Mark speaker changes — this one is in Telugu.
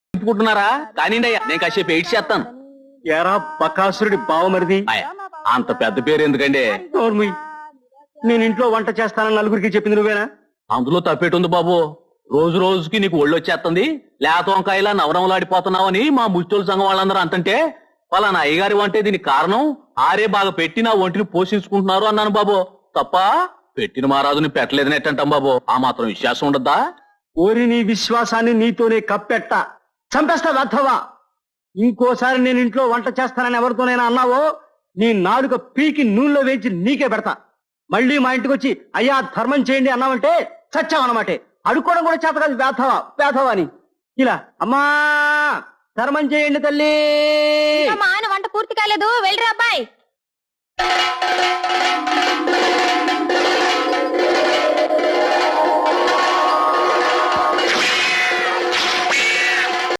Speaker 1: తిప్పుకుంటున్నారా కానిండి అయ్యా, నేను కాసేపు ఎయిట్ చేస్తాను.
Speaker 2: ఎరా బకాసురుడి బావమరిది,
Speaker 1: అంత పెద్ద పేరు ఎందుకండి?
Speaker 2: నోర్ముయ్. నేను ఇంట్లో వంట చేస్తానని నలుగురికి చెప్పింది నువ్వేనా?
Speaker 1: అందులో తప్పేటుంది బాబు. రోజు రోజుకి నీకు ఒళ్ళు వచ్చేస్తుంది, లేత వంకాయలా నవరంలాడిపోతున్నావని మా ముచ్చోళ్ళ సంఘం వాళ్ళందరూ అంటుంటే, పలానా అయ్యగారి వంటే దీనికి కారణం, ఆరే బాగా పెట్టి నా ఒంటిని పోషించుకుంటున్నారు అన్నాను బాబు. తప్ప పెట్టిన మహారాజుని పెట్టలేదని ఎట్టంటాం బాబు. ఆ మాత్రం విశ్వాసం ఉండద్దా?
Speaker 2: ఓరి నీ విశ్వాసాన్ని నీతోనే కప్పెట్ట చంపేస్తా వెధవా. ఇంకోసారి నేను ఇంట్లో వంట చేస్తానని ఎవరితోనైనా అన్నావో నీ నాలుక పీకి నూనెలో వేయించి నీకే పెడతా. మళ్ళీ మా ఇంటికి వచ్చి అయ్యా ధర్మం చేయండి అన్నావంటే చచ్చావన్నమాటే. అడుక్కోవడం కూడా చేత కాదు వేధవా వేధవా అని. ఇలా అమ్మా ధర్మం చేయండి తల్లి.
Speaker 3: ఆయన వంట పూర్తి కాలేదు, వెళ్ళరా అబ్బాయి.